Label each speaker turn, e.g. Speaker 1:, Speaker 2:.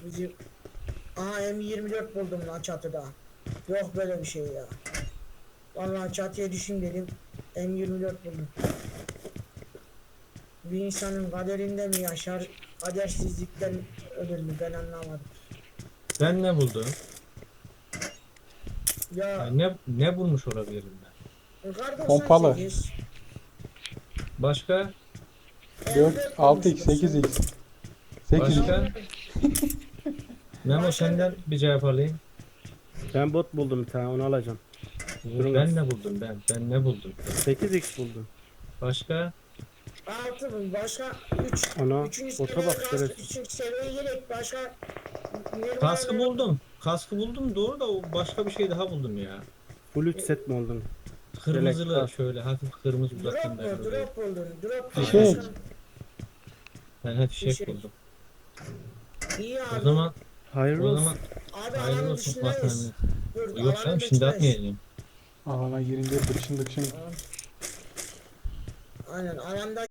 Speaker 1: Bizim... Aha M24 buldum lan çatıda. Yok böyle bir şey ya. Vallahi çatıya düşün dedim. M24 buldum. Bir insanın kaderinde mi yaşar, kadersizlikten ölür mü ben anlamadım.
Speaker 2: Ben ne buldum?
Speaker 1: Ya
Speaker 2: Yani ne bulmuş olabilirim ben?
Speaker 1: kar
Speaker 3: Pompalı.
Speaker 1: 98
Speaker 2: Başka?
Speaker 3: 4,
Speaker 1: M4
Speaker 3: 6x,
Speaker 1: bulmuştur.
Speaker 3: 8x. 8x.
Speaker 2: Başka? Memo
Speaker 1: Başka
Speaker 2: senden bir cevap alayım.
Speaker 4: Ben bot buldum bir tane, onu alacağım. Durun
Speaker 2: Ben
Speaker 4: az.
Speaker 2: ne buldum ben? Ben ne buldum?
Speaker 4: 8x buldum.
Speaker 2: Başka?
Speaker 1: 6 bul, başka 3.
Speaker 4: Ana,
Speaker 1: Üçüncü
Speaker 4: bota
Speaker 1: seviyeye
Speaker 4: bak
Speaker 1: kask,
Speaker 4: şerefsiz.
Speaker 1: üçüncü seviyeye gerek başka.
Speaker 2: Kaskı buldum. Kaskı buldum doğru da o başka bir şey daha buldum ya.
Speaker 4: Full 3 set mi oldun?
Speaker 2: Kırmızılı
Speaker 4: Yelek,
Speaker 2: şöyle hafif kırmızı
Speaker 1: Drop
Speaker 2: uzaktan
Speaker 1: mu?
Speaker 2: böyle.
Speaker 1: Drop buldun. Drop
Speaker 3: Fişek.
Speaker 1: başka.
Speaker 2: Ben hep fişek
Speaker 1: Fişek.
Speaker 2: buldum.
Speaker 1: İyi abi.
Speaker 2: O zaman
Speaker 4: Hayırlı
Speaker 2: o
Speaker 4: olsun.
Speaker 2: zaman
Speaker 1: Abi
Speaker 2: hayırlı
Speaker 1: alanın
Speaker 2: olsun
Speaker 1: dışındayız.
Speaker 2: vatandaş.
Speaker 1: Dur,
Speaker 2: Yok
Speaker 1: alanın
Speaker 2: canım şimdi
Speaker 1: dışındayız.
Speaker 2: atmayacağım.
Speaker 3: Alana girince dıkşın dıkşın.
Speaker 1: Aynen alanda